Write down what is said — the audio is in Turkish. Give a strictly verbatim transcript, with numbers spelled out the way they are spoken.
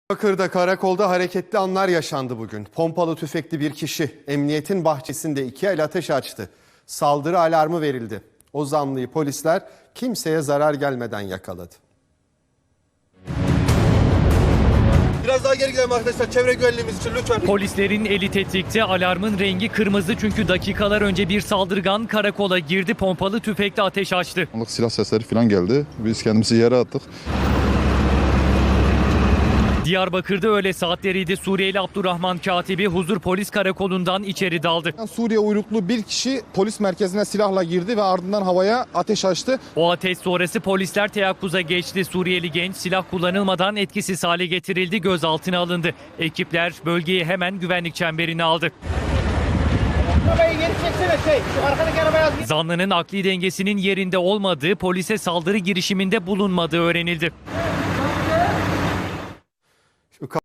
Diyarbakır'da karakolda hareketli anlar yaşandı bugün. Pompalı tüfekli bir kişi emniyetin bahçesinde iki el ateş açtı. Saldırı alarmı verildi. O zanlıyı polisler kimseye zarar gelmeden yakaladı. Biraz daha geri gidelim arkadaşlar, çevre güvenliğimiz için lütfen. Polislerin eli tetikte, alarmın rengi kırmızı çünkü dakikalar önce bir saldırgan karakola girdi, pompalı tüfekle ateş açtı. Silah sesleri falan geldi. Biz kendimizi yere attık. Diyarbakır'da öğle saatleriydi. Suriyeli Abdurrahman Katibi huzur polis karakolundan içeri daldı. Suriye uyruklu bir kişi polis merkezine silahla girdi ve ardından havaya ateş açtı. O ateş sonrası polisler teyakkuza geçti. Suriyeli genç silah kullanılmadan etkisiz hale getirildi, gözaltına alındı. Ekipler bölgeyi hemen güvenlik çemberine aldı. Zanlının akli dengesinin yerinde olmadığı, polise saldırı girişiminde bulunmadığı öğrenildi. Şu